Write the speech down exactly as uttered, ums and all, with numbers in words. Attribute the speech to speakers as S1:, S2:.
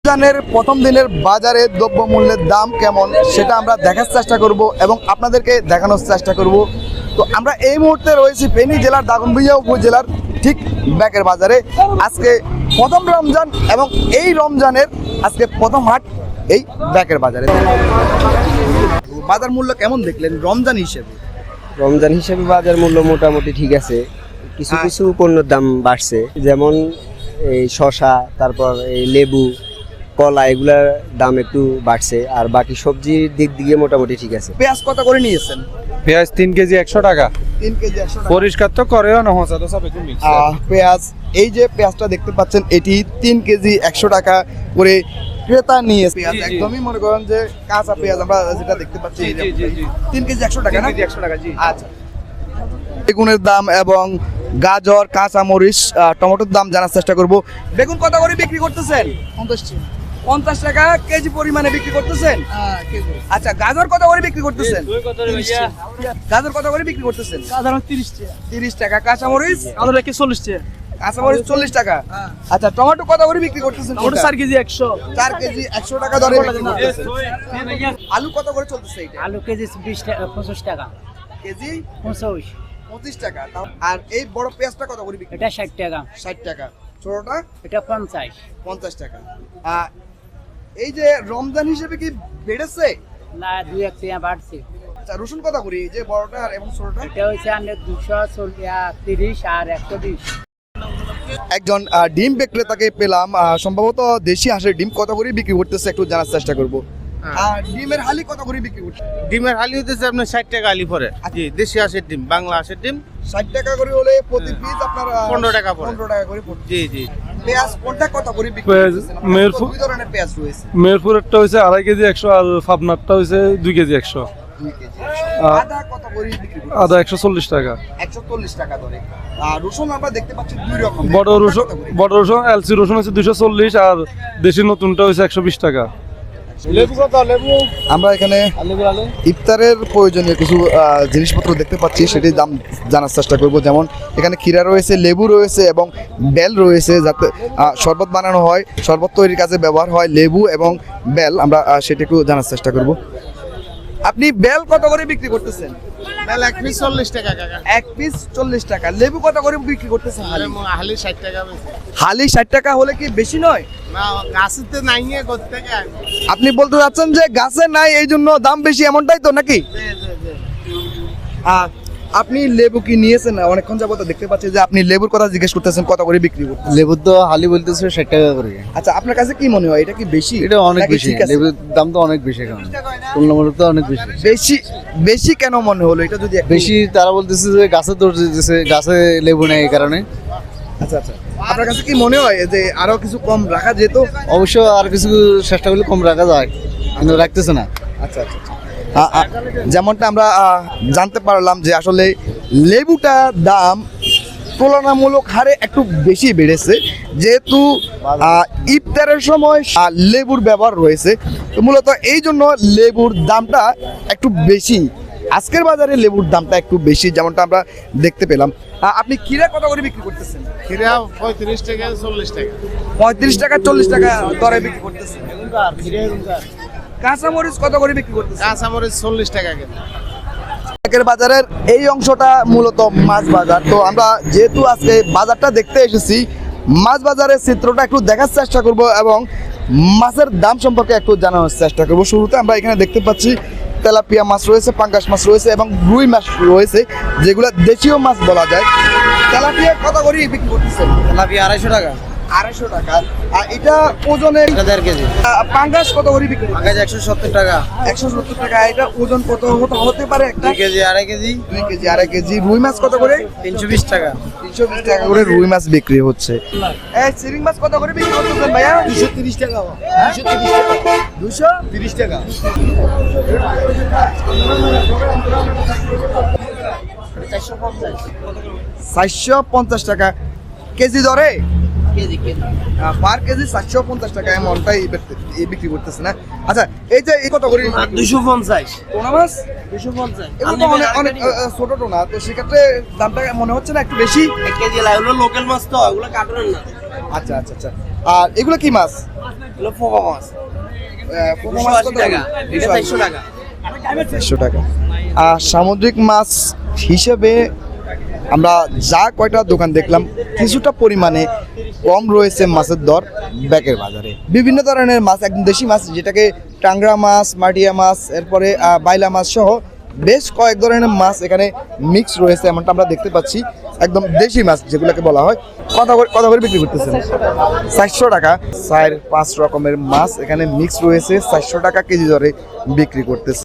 S1: রমজানের প্রথম দিনের বাজারে দ্রব্যমূল্যের দাম কেমন সেটা আমরা দেখার চেষ্টা করব এবং আপনাদেরকে দেখানোর চেষ্টা করব। তো আমরা এই মুহূর্তে রয়েছি ফেনী জেলার দাগনভূঞা উপজেলার ঠিক ব্যাকের বাজারে। আজকে প্রথম রমজান এবং এই রমজানের আজকে প্রথম হাট এই ব্যাকের বাজারে। বাজার মূল্য কেমন দেখলেন রমজান হিসেবে?
S2: রমজান হিসেবে বাজার মূল্য মোটামুটি ঠিক আছে, কিছু কিছু পণ্যের দাম বাড়ছে, যেমন এই শসা, তারপর এই লেবু, কলা, এগুলার দাম একটু বাড়ছে। আর বাকি সবজির দিক দিয়ে মোটামুটি ঠিক আছে।
S1: পেঁয়াজ কত করে নিয়েছেন?
S3: পেঁয়াজ তিন কেজি একশো টাকা।
S1: তিন কেজি একশো টাকা।
S3: পরিষ্কার তো করেও না হচ্ছে তো সব একটু মিক্স।
S1: পেঁয়াজ, এই যে পেঁয়াজটা দেখতে পাচ্ছেন এটি তিন কেজি একশো টাকা করে ক্রেতা নিয়ে। পেঁয়াজ একদমই মনে করেন যে কাঁচা পেঁয়াজ আমরা যেটা দেখতে পাচ্ছি তিন কেজি একশো টাকা না?
S3: একশো টাকা জি।
S1: আচ্ছা, বেগুনের দাম এবং গাজর, কাঁচা মরিচ, টমেটোর দাম জানার চেষ্টা করব। বেগুন কত করে বিক্রি করতেছেন? পঞ্চাশ টাকা কেজি পরিমাণে বিক্রি করতেছেন। আচ্ছা, গাজর কত করে বিক্রি করতেছেন? গাজর কত করে বিক্রি করতেছেন? তিরিশ টাকা। কাঁচা মরিচ?
S4: চল্লিশ টাকা।
S1: কাঁচা মরিচ চল্লিশ টাকা। আচ্ছা, টমেটো কত করে বিক্রি করতেছেন?
S4: চার কেজি একশো।
S1: চার কেজি একশো টাকা দরে বিক্রি করতেছেন। আলু কত করে চলতেছে এটা?
S4: আলু কেজি বিশ টাকা, পঁচিশ টাকা
S1: কেজি
S4: পঁচিশ
S1: পঁচিশ টাকা। আর এই বড় পেঁয়াজটা কত করে বিক্রি?
S4: এটা ষাট টাকা।
S1: ষাট টাকা। ছোটটা?
S4: এটা পঞ্চাশ।
S1: পঞ্চাশ টাকা। আর এই যে রমজান হিসেবে কি বেড়েছে?
S4: না, দুই এক টাকা বাড়ছে।
S1: আচ্ছা, রসুন কত করে এই যে বড়টা আর এবং ছোটটা?
S4: এটা হচ্ছে আপনার দুশো তিরিশ আর একশো বিশ।
S1: একজন ডিম বিক্রেতাকে পেলাম, সম্ভবত দেশি হাঁসের ডিম কত করে বিক্রি করতেছে একটু জানার চেষ্টা করব। আর ডিমের হালি কত করে বিক্রি করছে?
S5: ডিমের হালি হতেছে আপনার ষাট টাকা হালি পরে। জি, দেশি হাঁসের ডিম, বাংলা হাঁসের ডিম
S1: ষাট টাকা করে হলে প্রতি পিস আপনার
S5: পনেরো টাকা পড়ে।
S1: পনেরো টাকা করে পড়ছে।
S5: জি জি।
S1: পেঁয়াজ কোনটা কত করে বিক্রি
S3: পেঁয়াজ
S1: করতেছেন?
S3: মেহেরপুর-
S1: দুই ধরনের পেঁয়াজ রয়েছে।
S3: মেহেরপুরেরটা হয়েছে আড়াই কেজি একশো আর পাবনারটা হয়েছে দুই কেজি একশো।
S1: দুই কেজি।
S3: আ-
S1: আদা কত করে বিক্রি করতেছেন?
S3: আদা একশো চল্লিশ টাকা।
S1: একশো চল্লিশ টাকা ধরে। আর রসুন আমরা দেখতে পাচ্ছি দুই রকম।
S3: বড় রসুন বড় রসুন এলসি রসুন হচ্ছে দুশো চল্লিশ আর দেশি নতুনটা হচ্ছে একশো বিশ টাকা।
S1: লেবু কত? লেবু আমরা এখানে ইফতারের প্রয়োজনীয় কিছু আহ, জিনিসপত্র দেখতে পাচ্ছি, সেটির দাম জানার চেষ্টা করব। যেমন এখানে ক্ষীরা রয়েছে, লেবু রয়েছে এবং বেল রয়েছে, যাতে আহ, শরবত বানানো হয়, শরবত তৈরির কাজে ব্যবহার হয় লেবু এবং বেল। আমরা আহ, সেটা একটু জানার চেষ্টা করব। আপনি বেল কত করে বিক্রি করতেছেন?
S5: বেল এক পিস চল্লিশ টাকা কাকা।
S1: এক পিস চল্লিশ টাকা। লেবু কত করে বিক্রি করতেছেন? হালি
S5: হালি ষাট টাকা বেশি।
S1: হালি ষাট টাকা হলে কি বেশি নয়?
S5: না, গাছেতে নাই নিয়ে করতে গিয়ে।
S1: আপনি বলতে চাচ্ছেন যে গাছে নাই এই জন্য দাম বেশি, এমনটাই তো নাকি? আহ, আপনি লেবু কি নিয়েছেন? অনেকক্ষণ যাবত দেখতে পাচ্ছি যে আপনি লেবুর কথা জিজ্ঞেস করতেছেন কত করে বিক্রি করতেছেন।
S2: লেবুর তো হালি বলতেছে ষাট টাকা করে।
S1: আচ্ছা, আপনার কাছে কি মনে হয় এটা কি বেশি?
S2: এটা অনেক
S1: নাকি
S2: বেশি,
S1: ঠিক আছে?
S2: লেবুর দাম তো অনেক বেশি এখন, তুলনামূলক তো অনেক বেশি।
S1: বেশি বেশি কেন মনে হলো এটা যদি একটু-
S2: বেশি তারা বলতেছে যে গাছে দৌড় দিতেছে, গাছে লেবু নেই এই কারণে।
S1: আচ্ছা আচ্ছা, আপনার কাছে কি মনে হয় যে আরো কিছু কম রাখা যেত?
S2: অবশ্য আর কিছু চেষ্টা করলে কম রাখা যায়, কিন্তু রাখতেছে না।
S1: আচ্ছা আচ্ছা আচ্ছা। আ- আ- যেমনটা আমরা আহ, জানতে পারলাম যে আসলে লেবুটা দাম তুলনামূলক হারে একটু বেশি বেড়েছে, যেহেতু আহ, ইফতারের সময় আহ, লেবুর ব্যবহার রয়েছে, তো মূলত এই জন্য লেবুর দামটা একটু বেশি। আজকের বাজারে লেবুর দামটা একটু বেশি, যেমনটা আমরা দেখতে পেলাম। আহ, আপনি ক্ষীরা কত করে বিক্রি করতেছেন?
S5: খিরা পঁয়ত্রিশ টাকা চল্লিশ টাকা।
S1: পঁয়ত্রিশ টাকা চল্লিশ টাকা দরে বিক্রি করতেছেন। কাঁচামরিচ কত করে বিক্রি করতেছেন?
S5: কাঁচামরিচ চল্লিশ টাকা কিন্তু।
S1: ব্যাকের বাজারের এই অংশটা মূলত মাছ বাজার। তো আমরা যেহেতু আজকে বাজারটা দেখতে এসেছি, মাছ বাজারের চিত্রটা একটু দেখার চেষ্টা করব এবং মাছের দাম সম্পর্কে একটু জানানোর চেষ্টা করব। শুরুতে আমরা এখানে দেখতে পাচ্ছি তেলাপিয়া মাছ রয়েছে, পাঙ্গাস মাছ রয়েছে এবং রুই মাছ রয়েছে, যেগুলো দেশীয় মাছ বলা যায়। তেলাপিয়া কত করে বিক্রি করতেছেন?
S2: তেলাপিয়া আড়াইশো টাকা।
S1: আড়াইশো টাকা। আর এটা ওজনে
S2: দেড় কেজি।
S1: পাঙ্গাস কত করে বিক্রি?
S2: আগে একশো সত্তর টাকা।
S1: একশো সত্তর টাকা। এটা ওজন কত হতে- হতে পারে একটা?
S2: কেজি আড়াই কেজি।
S1: দুই কেজি আড়াই কেজি। রুই মাছ কত করে?
S2: তিনশো বিশ টাকা।
S1: তিনশো বিশ টাকা করে রুই মাছ বিক্রি হচ্ছে। এই চিংড়ি মাছ কত করে বিক্রি করতেছেন ভাইয়া?
S2: দুশো তিরিশ টাকা।
S1: দুশো তিরিশ টাকা। চারশো পঞ্চাশ টাকা কেজি ধরে? পার কেজি চারশো পঞ্চাশ টাকা এমনটাই বিক্রি করতেছে না? আচ্ছা, এই যে এই কত করে?
S4: দুশো পঞ্চাশ।
S1: টোনা মাছ
S4: দুশো পঞ্চাশ।
S1: এগুলো তো অনেক অনেক আহ, ছোট টোনা, তো সেক্ষেত্রে দামটা মনে হচ্ছে না একটু বেশি?
S4: এক কেজি লাগলো, লোকাল মাছ তো, ওগুলো কাটুন না।
S1: আচ্ছা আচ্ছা আচ্ছা। আর এগুলো কি মাছ? চারশো টাকা। আর সামুদ্রিক মাছ হিসেবে আমরা যা কয়টা দোকান দেখলাম কিছুটা পরিমাণে কম রয়েছে মাছের দর ব্যাকের বাজারে। বিভিন্ন ধরনের মাছ, একদম দেশি মাছ যেটাকে টাংরা মাছ, মাটিয়া মাছ, এরপরে আহ, বাইলা মাছ সহ বেশ কয়েক ধরনের মাছ এখানে মিক্স রয়েছে, এমনটা আমরা দেখতে পাচ্ছি। একদম দেশি মাছ যেগুলোকে বলা হয়। কত করে কত করে বিক্রি করতেছেন? চারশো টাকা। চার পাঁচ রকমের মাছ এখানে মিক্স রয়েছে, চারশো টাকা কেজি দরে বিক্রি করতেছে।